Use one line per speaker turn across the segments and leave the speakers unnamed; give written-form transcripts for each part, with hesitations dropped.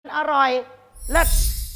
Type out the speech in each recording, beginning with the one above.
อร่อยเลิศ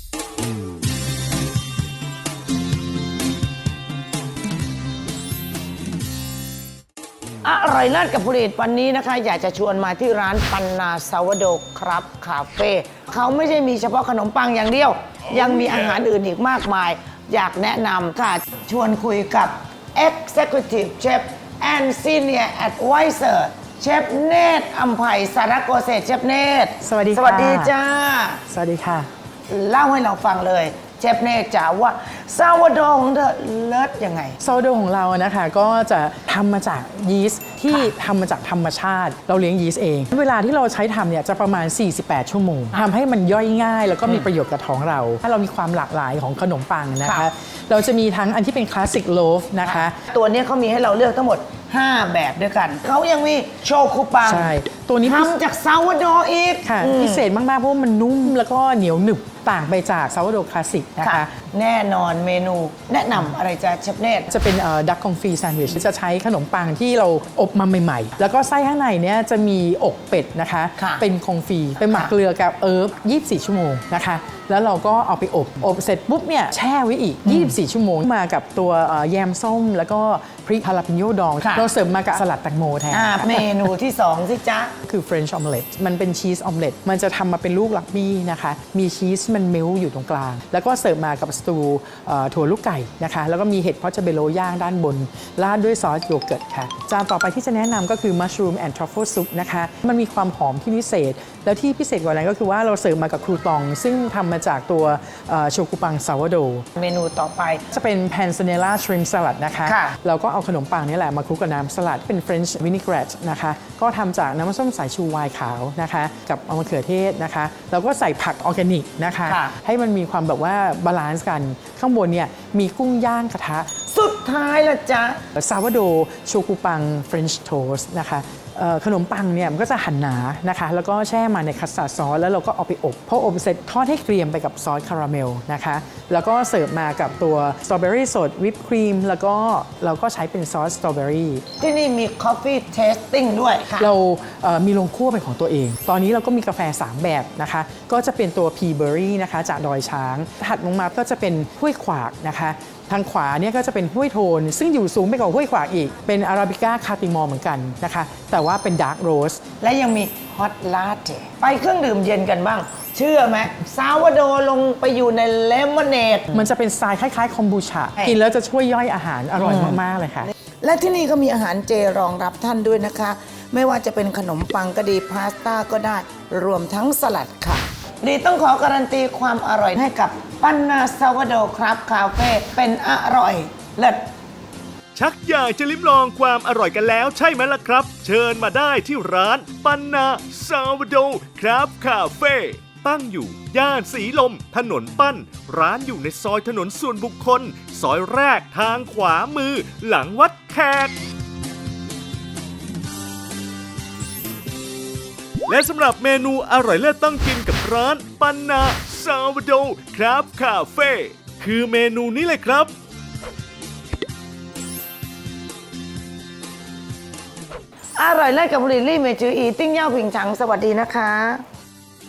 อร่อยเลิศกับผลิตวันนี้นะคะอยากจะชวนมาที่ร้านปันนาซาวโดครับคาเฟ่เขาไม่ใช่มีเฉพาะขนมปังอย่างเดียว ยังมีอาหารอื่นอีกมากมาย อยากแนะนำค่ะชวนคุยกับ Executive Chef and Senior Advisor เชฟเนตรอัมไพสารโกเศษเชฟเนตร
สวัสดีค่ะ
สวัสดีจ้า
สวัสดีค่ะ
เล่าให้เราฟังเลยเชฟเนตรจ๋าว่าซาวโดของเธอเลิศยังไง
ซาวโดของเรานะคะก็จะทำมาจากยีสต์ที่ทำมาจากธรรมชาติ เราเลี้ยงยีสต์เอง เวลาที่เราใช้ทำเนี่ยจะประมาณ 48 ชั่วโมงทำให้มันย่อยง่ายแล้วก็มีประโยชน์กับท้องเรา ถ้าเรามีความหลากหลายของขนมปังนะคะ
ค่ะ
เราจะมีทั้งอันที่เป็นคลาสสิกโลฟนะคะ
ตัวนี้เขามีให้เราเลือกทั้งหมด 5 แบบด้วยกัน เขายังมีโชคุปัง
ใช่ตัวนี้
ทำจากซาวโดอีก
ค่ะพิเศษมากๆเพราะว่ามันนุ่มแล้วก็เหนียวหนึบต่างไปจากซาวโดคลาสสิกนะ
ค่ะ
คะ
แน่นอนเมนูแนะนำอะไรจ้าเชฟเนตร
จะเป็นดักคองฟีแซนด์วิชจะใช้ขนมปังที่เราอบมาใหม่ๆ แล้วก็ไส้ข้างในเนี่ยจะมีอกเป็ดนะคะ
ค่ะ
เป็นคองฟีเป็นหมัก
ค่ะ
เกลือกับ24 ชั่วโมงนะคะ แล้วเราก็เอาไปอบเสร็จปุ๊บเนี่ยแช่ไว้อีก 24 ชั่วโมงมากับตัวแยมส้ม แล้วก็พริกฮาลาปิโยดอง
ค่ะ
เราเสิร์ฟมากับสลัดแตงโมแทน
เมนูที่ 2 สิจ๊ะ
คือ French omelette มันเป็นชีสออมเล็ตมันจะทำมาเป็นลูกลักบี้นะคะ มีชีสมันเมลอยู่ตรงกลาง แล้วก็เสิร์ฟมากับสตูถั่วลูกไก่นะคะ แล้วก็มีเห็ดพอชเบโลย่างด้านบน ราดด้วยซอสโยเกิร์ตค่ะ จานต่อไปที่จะแนะนำก็คือ mushroom and truffle soup นะคะ มันมีความหอมที่พิเศษ แล้วที่พิเศษกว่านั้นก็คือว่าเราเสิร์ฟมากับครูตอง ซึ่งทำมาจากตัวโชกุปังซาวโด
เมนูต่อไป
จะเป็น panzanella shrimp salad นะคะ
ค่ะ
เราก็เอาขนมปังนี่แหละมาคลุกกับน้ำสลัดเป็น French vinaigrette นะคะ ก็ทำจากน้ำส้มสายชูไวน์ขาวนะคะ กับมะเขือเทศนะคะ แล้วก็ใส่ผักออร์แกนิกนะคะ
ค่ะ
ให้มันมีความแบบว่าบาลานซ์กัน ข้างบนเนี่ยมีกุ้งย่างกระทะ
สุดท้ายละจ๊ะ
ซาวโดโชกุปัง French toast นะคะขนมปังเนี่ยมันก็จะหั่นหนานะคะ แล้วก็แช่มาในคัสตาร์ดซอสแล้วเราก็เอาไปอบพออบเสร็จทอดให้เกรียมไปกับซอสคาราเมลนะคะ แล้วก็เสิร์ฟมากับตัวสตรอเบอรี่สดวิปครีมแล้วก็เราก็ใช้เป็นซอสสตรอเบอรี่
ที่นี่มี Coffee Tasting ด้วยค่ะ
เรามีโรงคั่วเป็นของตัวเอง ตอนนี้เราก็มีกาแฟ 3 แบบนะคะ ก็จะเป็นตัว Pea Berry นะคะจากดอยช้าง ถัดลงมาก็จะเป็นห้วยขวากนะคะ ทางขวาเนี่ยก็จะเป็นห้วยโทน ซึ่งอยู่สูงไปกว่าห้วยขวากอีก เป็นอาราบิก้าคาติมอร์เหมือนกันนะคะ แต่ว่าเป็นดาร์กโรส
และยังมี Hot Latte ไปเครื่องดื่มเย็นกันบ้าง เชื่อไหมซาวโดลงไปอยู่ในเลมอนเนด
มันจะเป็นสไตล์คล้ายๆคอมบูชา
ใช่
กินแล้วจะช่วยย่อยอาหารอร่อยมากๆเลยค่ะ
และที่นี่ก็มีอาหารเจรองรับท่านด้วยนะคะ ไม่ว่าจะเป็นขนมปังก็ดีพาสต้าก็ได้รวมทั้งสลัดค่ะ ดีต้องขอการันตีความอร่อยให้กับปันนาซาวโดครับคาเฟ่เป็นอร่อยเลิศ
ชักอยากจะลิ้มลองความอร่อยกันแล้วใช่ไหมล่ะครับ เชิญมาได้ที่ร้านปันนาซาวโดครับคาเฟ่ตั้งอยู่ย่านสีลมถนนปั้น ร้านอยู่ในซอยถนนส่วนบุคคล ซอยแรกทางขวามือหลังวัดแขก และสำหรับเมนูอร่อยเลิศต้องกินกับร้านปันนาซาวโดครับคาเฟ่คือเมนูนี้เลยครับ
อร่อยเลิศกับบุรีรี่เมจืออีติ้งเย่าผิงฉังสวัสดีนะคะ